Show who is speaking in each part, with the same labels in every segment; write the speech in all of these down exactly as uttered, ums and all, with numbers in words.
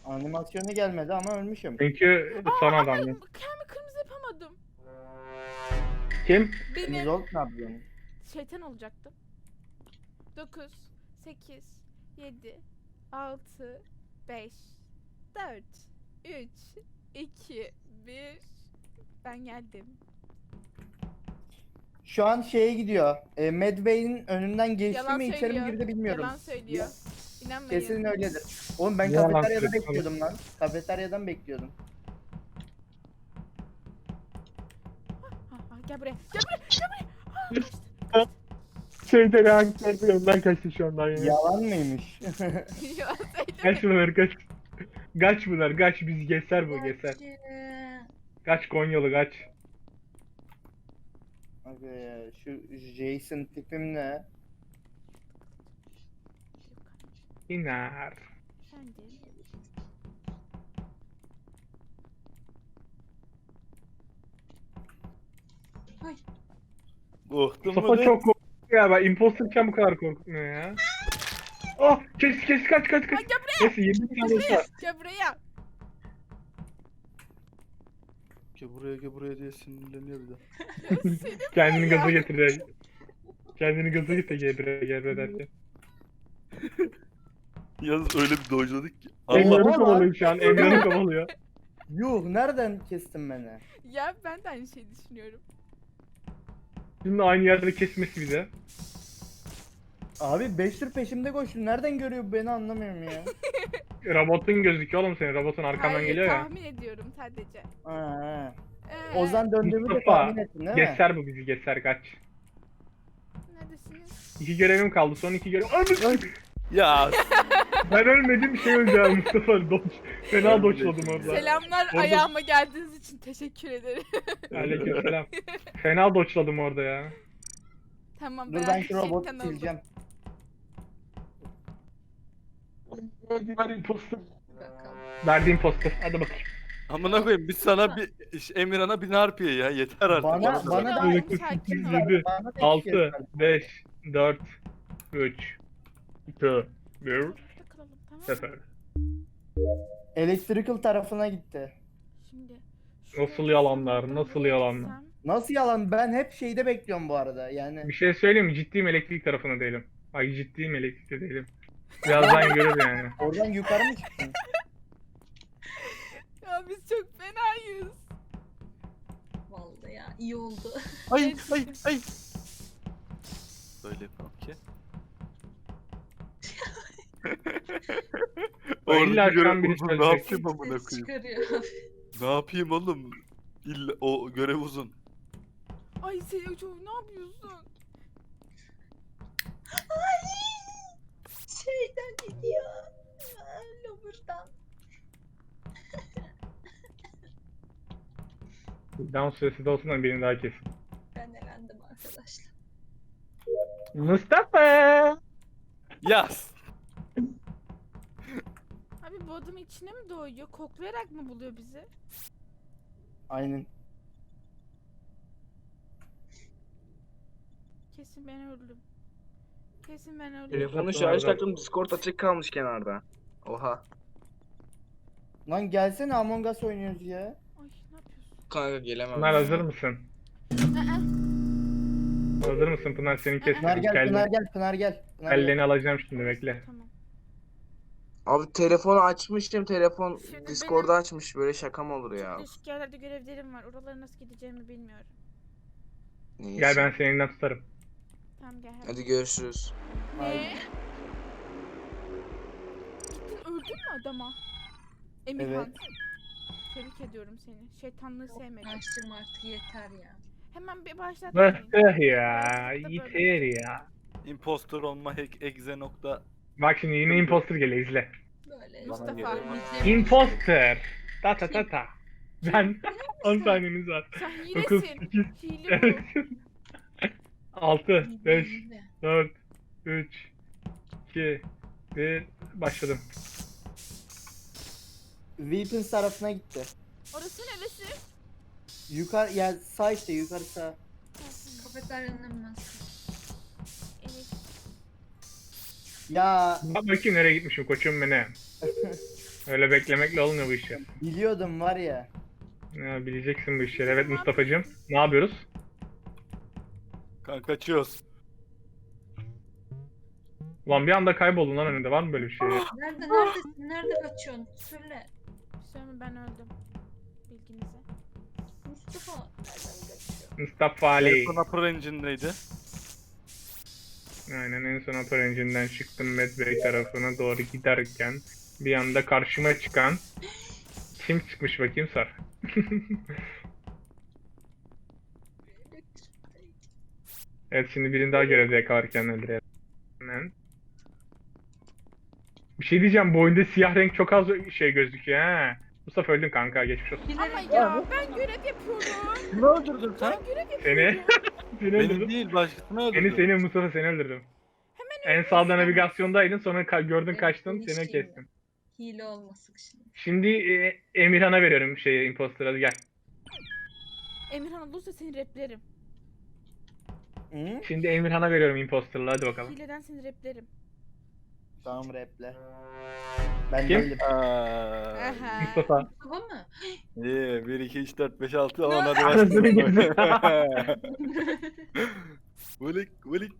Speaker 1: Animasyonu gelmedi ama ölmüşüm.
Speaker 2: Çünkü son adam.
Speaker 3: Kendimi kırmızı yapamadım.
Speaker 2: Kim?
Speaker 1: Temiz
Speaker 3: Benim
Speaker 1: ol ne yapıyorsun?
Speaker 3: şeytan olacaktım. dokuz, sekiz, yedi, altı, beş, dört, üç, iki, bir. Ben geldim.
Speaker 1: Şu an şeye gidiyor. E, Medway'in önünden geçti
Speaker 3: Yalan
Speaker 1: mi içeri mi
Speaker 3: söylüyor.
Speaker 1: girdi bilmiyorum.
Speaker 3: Yalan söylüyor. İnanmayın.
Speaker 1: Kesin öyledir. Oğlum ben
Speaker 2: Yalan
Speaker 1: kafeteryada
Speaker 2: söylüyor.
Speaker 1: bekliyordum lan. Kafeteryadan bekliyordum.
Speaker 3: Ha, ha, gel buraya. Gel buraya. Gel buraya. Ha,
Speaker 2: Şeyde reaktörde önden kaçtı şu andan ya.
Speaker 1: Yalan mıymış?
Speaker 3: Yalan
Speaker 2: Kaç
Speaker 3: söylüyor.
Speaker 2: bunlar kaç. Kaç bunlar kaç biz geçer bu geçer. Kaç Konyalı kaç.
Speaker 1: Abi ya, şu Jason tipim ne?
Speaker 2: İner.
Speaker 3: Sen de.
Speaker 4: Korktun mu
Speaker 2: Mustafa
Speaker 4: lan?
Speaker 2: çok korktu ya, ben imposterken bu kadar korkmuyor ya. Oh kes kes kaç kaç kaç.
Speaker 3: Ay, gel buraya.
Speaker 2: Neyse yirmi saniye var.
Speaker 3: Gel buraya.
Speaker 4: Gel buraya gel buraya diye sinirleniyor bir de.
Speaker 3: Ya seni
Speaker 2: Kendini
Speaker 3: ya.
Speaker 2: gaza getir. Kendini gaza getir gebre gebre derken.
Speaker 4: Yalnız öyle bir dojladık ki. Allah.
Speaker 2: Emre'ni
Speaker 1: Allah.
Speaker 2: kovalıyor şu an. Emre'ni kovalıyor.
Speaker 1: Yuh nereden kestin beni?
Speaker 3: Ya ben de aynı şeyi düşünüyorum.
Speaker 2: Şimdi aynı yerde kesmesi bize.
Speaker 1: Abi beş tur peşimde koştun. Nereden görüyor bu beni anlamıyorum ya.
Speaker 2: Robotun gözüküyor oğlum senin. Robotun arkandan
Speaker 3: Hayır,
Speaker 2: geliyor ya.
Speaker 3: tahmin ediyorum sadece.
Speaker 1: Ha, ha.
Speaker 3: Ee,
Speaker 1: Ozan döndüğümü de
Speaker 2: Mustafa,
Speaker 1: tahmin ettin değil mi?
Speaker 2: Geçer bu bizi geçer kaç.
Speaker 3: Neredesiniz?
Speaker 2: İki görevim kaldı. Son iki görev. Ay,
Speaker 4: Ya
Speaker 2: ben ölmedim şey öleceğim Mustafa. Doç. Fena
Speaker 4: Ölmeyeceksin
Speaker 2: doçladım orada.
Speaker 3: Selamlar,
Speaker 2: Orada-
Speaker 3: ayağıma geldiğiniz için teşekkür ederim.
Speaker 2: Aleykümselam. Fena doçladım orada ya.
Speaker 3: Tamam,
Speaker 1: Dur
Speaker 3: ben
Speaker 1: ben
Speaker 3: artık
Speaker 1: şu robotu
Speaker 3: şeytan oldum.
Speaker 1: sileceğim.
Speaker 2: Ver imposter.
Speaker 5: Bakalım.
Speaker 2: Verdiğim poster. Hadi bakayım.
Speaker 4: amına koyayım biz sana bir Emirhan'a bin harpiye ya yeter artık.
Speaker 1: Bana-
Speaker 4: Bana da
Speaker 1: bana
Speaker 4: ver.
Speaker 1: da-
Speaker 3: Ay, sakin ol.
Speaker 2: yedi,
Speaker 1: Bana da iki
Speaker 2: altı,
Speaker 1: kez ver.
Speaker 2: beş, dört, üç, iki, bir,
Speaker 3: Burada kalalım, tamam mı?
Speaker 2: sıfır.
Speaker 1: Electrical tarafına gitti.
Speaker 3: Şimdi.
Speaker 2: Nasıl yalanlar, nasıl yalanlar.
Speaker 3: gitsem-
Speaker 1: Nasıl yalan? Ben hep şeyde bekliyorum bu arada. Yani
Speaker 2: Bir şey söyleyeyim mi? Ciddiyim elektrik tarafında değilim. Ay ciddiyim elektrikte değilim. Birazdan görür yani.
Speaker 1: oradan yukarı mı çıktın?
Speaker 3: Ya biz çok fenayız.
Speaker 5: Vallahi ya iyi oldu.
Speaker 4: Ay ay ay. Böyle yapalım ki.
Speaker 2: Ben illa
Speaker 4: Orada
Speaker 2: akşam
Speaker 4: görev
Speaker 2: biri
Speaker 4: uzun, ne
Speaker 2: söyleyecek.
Speaker 4: yapayım amına
Speaker 5: Ses
Speaker 4: koyayım?
Speaker 5: çıkarıyor.
Speaker 4: Ne yapayım oğlum? İlla o görev uzun.
Speaker 3: Ay Seyocuğum, ne yapıyorsun?
Speaker 5: Ay! Şeyden gidiyor. Lover'dan.
Speaker 2: Down süresi de olsun da birini daha kesin.
Speaker 5: Ben elendim arkadaşlar.
Speaker 2: Mustafa!
Speaker 4: Yaz.
Speaker 3: Abi bu adam içine mi doğuyor? Koklayarak mı buluyor bizi?
Speaker 1: Aynen.
Speaker 3: Kesin ben öldüm. Kesin ben öldüm.
Speaker 6: Telefonu şarj taktım, Discord açık kalmış kenarda. Oha.
Speaker 1: Lan gelsene Among Us oynuyoruz ya.
Speaker 3: Ay ne yapıyorsun?
Speaker 6: Kanka gelemem.
Speaker 2: Pınar hazır mısın?
Speaker 3: Aa,
Speaker 2: Hazır mısın Pınar? Seni
Speaker 1: Pınar
Speaker 2: kestim.
Speaker 1: gel, Pınar
Speaker 2: Kelleni,
Speaker 1: gel, Pınar gel. Pınar gel.
Speaker 2: kelleni alacağım şimdi bekle.
Speaker 3: tamam.
Speaker 6: Abi telefonu açmıştım, telefon
Speaker 3: Şimdi
Speaker 6: Discord'u
Speaker 3: benim-
Speaker 6: açmış, böyle şaka mı olur ya?
Speaker 3: Değişik yerlerde görevlerim var. Oralara nasıl gideceğimi bilmiyorum.
Speaker 6: Neyse.
Speaker 2: Gel ben seni elinden tutarım.
Speaker 3: Tamam gel.
Speaker 6: Hadi görüşürüz.
Speaker 3: Ne? Gittin öldün mü adama? Emirhan.
Speaker 1: Evet.
Speaker 3: Tebrik ediyorum seni. Şeytanlığı sevmedim.
Speaker 5: Açtım artık yeter ya.
Speaker 3: Hemen bir başlat.
Speaker 2: Bıhtı ya. Yeter ya.
Speaker 4: Impostor olma hack exe nokta.
Speaker 2: Bak şimdi yine imposter geliyor izle.
Speaker 5: Böyle.
Speaker 3: Mustafa.
Speaker 4: geliyor.
Speaker 2: Imposter. Ta ta ta ta. Ben on saniyeniz var.
Speaker 3: Sen
Speaker 2: dokuz,
Speaker 3: hilesin.
Speaker 2: sekiz,
Speaker 3: Hile bu.
Speaker 2: altı, beş,
Speaker 5: Hile.
Speaker 2: dört, üç, iki, bir. Başladım.
Speaker 1: Weapons tarafına gitti.
Speaker 3: Orası neresi?
Speaker 1: Yukarı ya sağ işte yukarı sağ.
Speaker 5: Kafeteryanın hemen sağ.
Speaker 3: Evet.
Speaker 1: Ya
Speaker 2: Bak bakayım nereye gitmişim koçum benim. Öyle beklemekle olmuyor bu işler.
Speaker 1: Biliyordum var ya.
Speaker 2: Ya, bileceksin bu işleri. Evet Mustafa'cığım. Ne yapıyoruz?
Speaker 4: Kanka kaçıyoruz.
Speaker 2: Ulan bir anda kayboldun lan önünde. Var mı böyle bir şey?
Speaker 5: Nerede neredesin? Nerede kaçıyorsun? Söyle.
Speaker 3: Söyleme ben öldüm. Bilginize.
Speaker 5: Mustafa nereden kaçıyor?
Speaker 2: Mustafa Ali.
Speaker 4: En son Upper Engine'deydi.
Speaker 2: Aynen en son Upper Engine'den çıktım Medbay tarafına doğru giderken bir anda karşıma çıkan kim çıkmış bakayım sor. Evet şimdi birini daha görevde yakalarken öldürelim. Hemen. Bir şey diyeceğim bu oyunda siyah renk çok az şey gözüküyor ha. Mustafa öldün kanka geçmiş olsun.
Speaker 3: Ama
Speaker 5: Bilerek
Speaker 3: ya ben görev yapıyorum.
Speaker 4: Kimi öldürdün sen?
Speaker 3: Ben görev
Speaker 2: Seni
Speaker 3: yapıyorum.
Speaker 2: seni
Speaker 4: Beni
Speaker 2: öldürdüm.
Speaker 4: değil başkasını
Speaker 2: Seni
Speaker 4: öldürdün.
Speaker 2: seni Mustafa seni öldürdüm. En sağda navigasyondaydın sonra ka- gördün
Speaker 5: Evet,
Speaker 2: kaçtın
Speaker 5: hiç
Speaker 2: seni
Speaker 5: iyi
Speaker 2: kestim.
Speaker 5: hile olması şimdi.
Speaker 2: Şimdi e, Emirhan'a veriyorum şeyi imposter'a gel.
Speaker 3: Emirhan olursa seni replerim.
Speaker 1: Hı?
Speaker 2: Şimdi Emirhan'a veriyorum imposter'la hadi bakalım.
Speaker 3: Hileden seni replerim.
Speaker 1: Tamam raple. Ben
Speaker 2: Kim?
Speaker 1: değilim.
Speaker 4: Aa,
Speaker 3: Aha.
Speaker 2: Mustafa.
Speaker 5: Mustafa mı?
Speaker 4: İyi bir iki üç dört beş altı on
Speaker 3: Ne?
Speaker 4: hadi
Speaker 2: Anasını
Speaker 4: başlayalım.
Speaker 2: gerizekalı.
Speaker 4: Vulik vulik.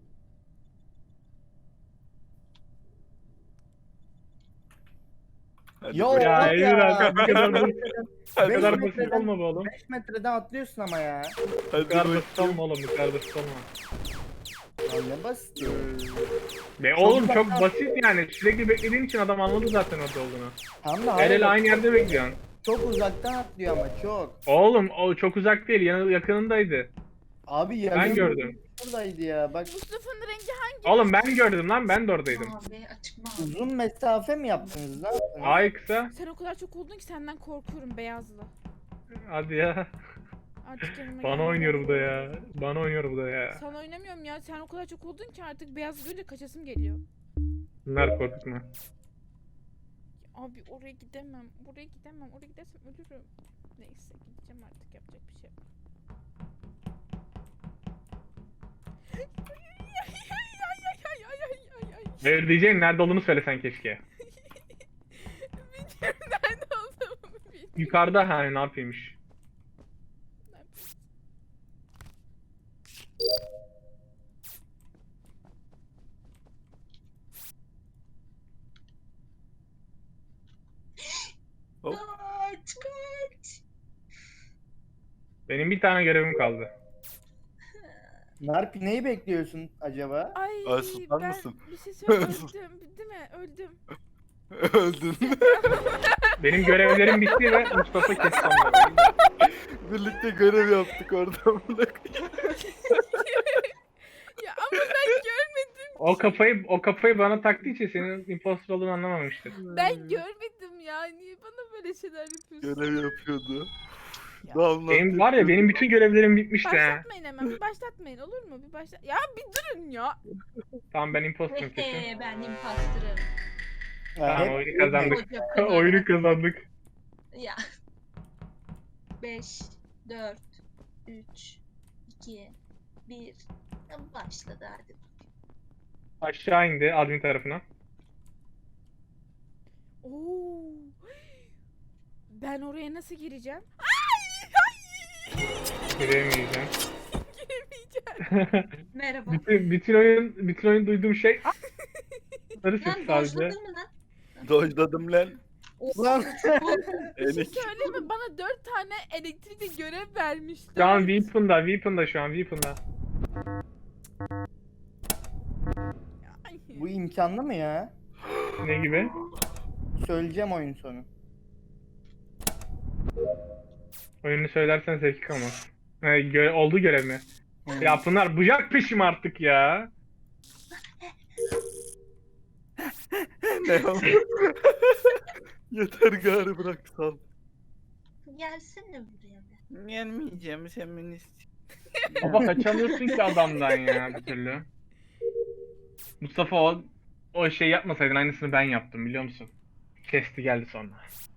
Speaker 4: Hadi
Speaker 1: Ya
Speaker 4: bakayım.
Speaker 2: Ya
Speaker 1: oğlum
Speaker 2: Emirhan bu kadar basit, bu
Speaker 1: beş
Speaker 2: kadar basit
Speaker 1: metreden-
Speaker 2: olma be oğlum.
Speaker 1: beş metreden atlıyorsun ama ya.
Speaker 2: Bu
Speaker 4: Hadi
Speaker 2: kadar basit
Speaker 4: bakayım.
Speaker 2: olma oğlum bu kadar basit olma.
Speaker 1: Lan ne basit.
Speaker 2: Be oğlum çok basit yani sürekli beklediğin için adam anladı zaten orada olduğunu.
Speaker 1: Tam da
Speaker 2: Her el
Speaker 1: hala
Speaker 2: aynı yerde bekliyorsun.
Speaker 1: çok uzaktan atlıyor ama çok.
Speaker 2: Oğlum o çok uzak değil yanı yakınındaydı.
Speaker 1: Abi ya
Speaker 2: Ben gördüm.
Speaker 1: buradaydı ya. Bak
Speaker 3: Mustafa'nın rengi hangi?
Speaker 2: Oğlum ben gördüm lan ben de oradaydım.
Speaker 5: Abi açık mı?
Speaker 1: uzun mesafe mi yaptınız? Ne yaptınız?
Speaker 2: Ay kısa.
Speaker 3: Sen o kadar çok oldun ki senden korkuyorum beyazlı.
Speaker 2: Hadi ya.
Speaker 3: Artık yanıma
Speaker 2: Bana
Speaker 3: gelme.
Speaker 2: oynuyor bu da ya. Bana oynuyor bu da ya.
Speaker 3: Sana oynamıyorum ya. Sen o kadar çok oldun ki artık beyaz görünce kaçasım geliyor.
Speaker 2: Bunlar korkutma.
Speaker 3: Abi oraya gidemem. Oraya gidemem. Oraya gidersem ölürüm. Neyse gideceğim artık yapacak bir şey yok. Ay, ay, ay, ay, ay, ay, ay.
Speaker 2: Hayır diyeceğim nerede olduğunu söylesen keşke.
Speaker 3: Bilmiyorum nerede olduğumu bilmiyorum.
Speaker 2: Yukarıda hani ne yapıyormuş.
Speaker 4: Hop.
Speaker 5: Kaç kaç.
Speaker 2: Benim bir tane görevim kaldı.
Speaker 1: Narpi neyi bekliyorsun acaba?
Speaker 3: Ay
Speaker 4: Ay, susar
Speaker 3: ben
Speaker 4: mısın?
Speaker 3: bir şey söyleyeyim.
Speaker 4: Sus.
Speaker 3: Öldüm. Değil mi? Öldüm.
Speaker 4: Öldün.
Speaker 2: Benim görevlerim bitti ve Mustafa kesti onları.
Speaker 4: Birlikte görev yaptık orada.
Speaker 3: Ya ama ben görmedim.
Speaker 2: O kafayı o kafayı bana taktığı için senin imposter olduğunu anlamamıştır.
Speaker 3: Ben görmedim ya. Niye bana böyle şeyler yapıyorsun?
Speaker 4: Görev yapıyordu.
Speaker 3: Ya.
Speaker 4: Damla.
Speaker 2: Benim var ya benim bütün görevlerim bitmişti ha.
Speaker 3: Başlatmayın hemen. Bir başlatmayın olur mu? Bir başla. Ya bir durun ya.
Speaker 2: Tamam ben imposterım kesin.
Speaker 5: Hehe ben imposterım.
Speaker 1: Ha,
Speaker 2: Tamam
Speaker 1: hep-
Speaker 2: oyunu kazandık.
Speaker 5: Koca kınalı.
Speaker 2: Oyunu kazandık.
Speaker 5: Ya. beş, dört, üç, iki, bir. Başladı hadi.
Speaker 2: Aşağı indi admin tarafına.
Speaker 3: Oo. Ben oraya nasıl gireceğim?
Speaker 2: Giremeyeceğim.
Speaker 3: Giremeyeceğim.
Speaker 5: Merhaba.
Speaker 2: bütün, bütün oyun bütün oyun duyduğum şey Sarı ses
Speaker 5: Lan
Speaker 2: sadece.
Speaker 5: dojladın mı lan?
Speaker 4: Dojladım lan.
Speaker 1: Lan
Speaker 3: Bir şey
Speaker 4: Enik.
Speaker 3: söyleyeyim mi? Bana dört tane elektrikli görev vermişler.
Speaker 2: Şu an Weapon'da, Weapon'da şu an Weapon'da.
Speaker 3: Ay.
Speaker 1: bu imkanlı mı ya?
Speaker 2: Ne gibi?
Speaker 1: Söyleyeceğim oyun sonu.
Speaker 2: Oyunu söylersen zevki kalmaz. Ha, gö- oldu görev mi?
Speaker 1: Hı.
Speaker 2: Ya Pınar bıcak peşim artık ya.
Speaker 4: Ne ya? Yeter gari bırak sal.
Speaker 5: Gelsene buraya be.
Speaker 4: Gelmeyeceğim feminist.
Speaker 2: Baba kaçamıyorsun ki adamdan ya bir türlü. Mustafa o, o şey yapmasaydın aynısını ben yaptım biliyor musun? Kesti geldi sonra.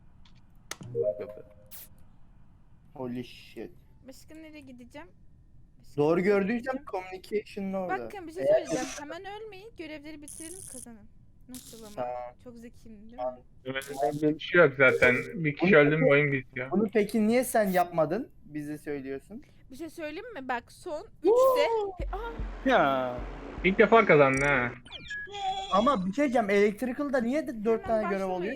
Speaker 1: Holy shit.
Speaker 3: Başka nereye gideceğim? Başka
Speaker 1: Doğru
Speaker 3: nereye
Speaker 1: gördüysem
Speaker 3: gideceğim?
Speaker 1: communication'da orada.
Speaker 3: Bakın bir şey söyleyeceğim. Hemen ölmeyin. Görevleri bitirelim kazanın. Nasıl ama?
Speaker 1: Tamam.
Speaker 3: Çok zekiyim değil mi?
Speaker 1: Tamam.
Speaker 2: Bir şey yok zaten. Bir kişi öldü mü oyun bitiyor.
Speaker 1: Bunu peki niye sen yapmadın? Bize söylüyorsun.
Speaker 3: Bir şey söyleyeyim mi? Bak son üçte... He- Aa,
Speaker 4: Ya.
Speaker 2: İlk defa kazandı ha.
Speaker 1: Ama bir şey diyeceğim. Electrical'da niye de dört
Speaker 3: hemen
Speaker 1: tane görev oluyor?
Speaker 3: başlamayın.